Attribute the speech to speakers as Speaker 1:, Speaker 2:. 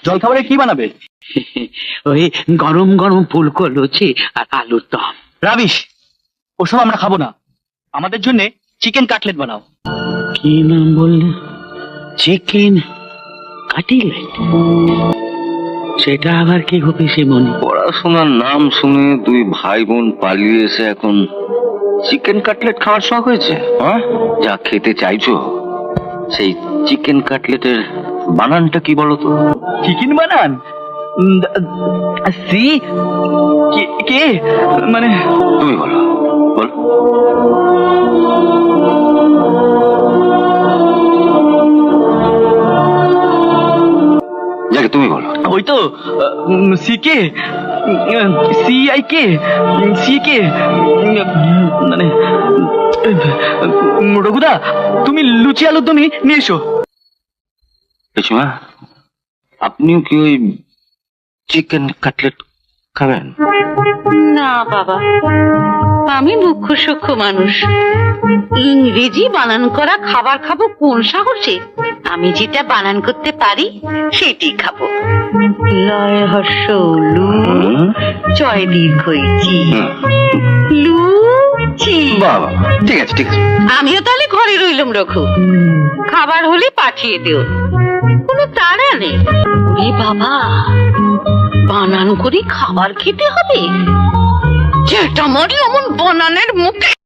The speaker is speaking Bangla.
Speaker 1: জলখাবারে কি বানাবে?
Speaker 2: ওই গরম গরম ফুলকো লুচি আর আলুর দম।
Speaker 1: রাবিশ, ওসব আমরা খাবো না। আমাদের জন্য চিকেন কাটলেট বানাও।
Speaker 2: কি নাম বললে? Chicken cutlet? সেটা আবার কি গো পিসিমণি?
Speaker 3: পড়াশোনার নাম শুনে দুই ভাই বোন পালিয়ে এসে এখন চিকেন কাটলেট খাওয়ার শখ হয়েছে? হ্যাঁ, যা খেতে চাইছো সেই চিকেন কাটলেটের বানানটা কি বলো তো?
Speaker 1: চিকেন বানান? সি কে মানে?
Speaker 3: তুমি বলো, বলো। যাকে তুমি বলো।
Speaker 1: ওই তো C K, CI K, C K মানে। রঘুদা, তুমি লুচি আলুর দমই নিয়ে এসো।
Speaker 3: পিসিমা, আপনিও কি ওই চিকেন কাটলেট খাবেন?
Speaker 4: না বাবা, আমি মুখ্য সূক্ষ্ম মানুষ। ইংরেজি বানান করা খাবার খাবো কোন সাহসে? আমি যেটা বানান করতে পারি সেটাই খাবো। লয় হর্ষ লু, জয় দীর্ঘই চি, লুচি।
Speaker 3: বাবা, ঠিক আছে ঠিক আছে।
Speaker 4: আমিও তাহলে ঘরে রইলাম রঘু, খাবার হলে পাঠিয়ে দিও, কোনো তাড়া নেই। ওরে বাবা, বানান করে খাবার খেতে হবে? যেটা মারি অমন বানানের মুখে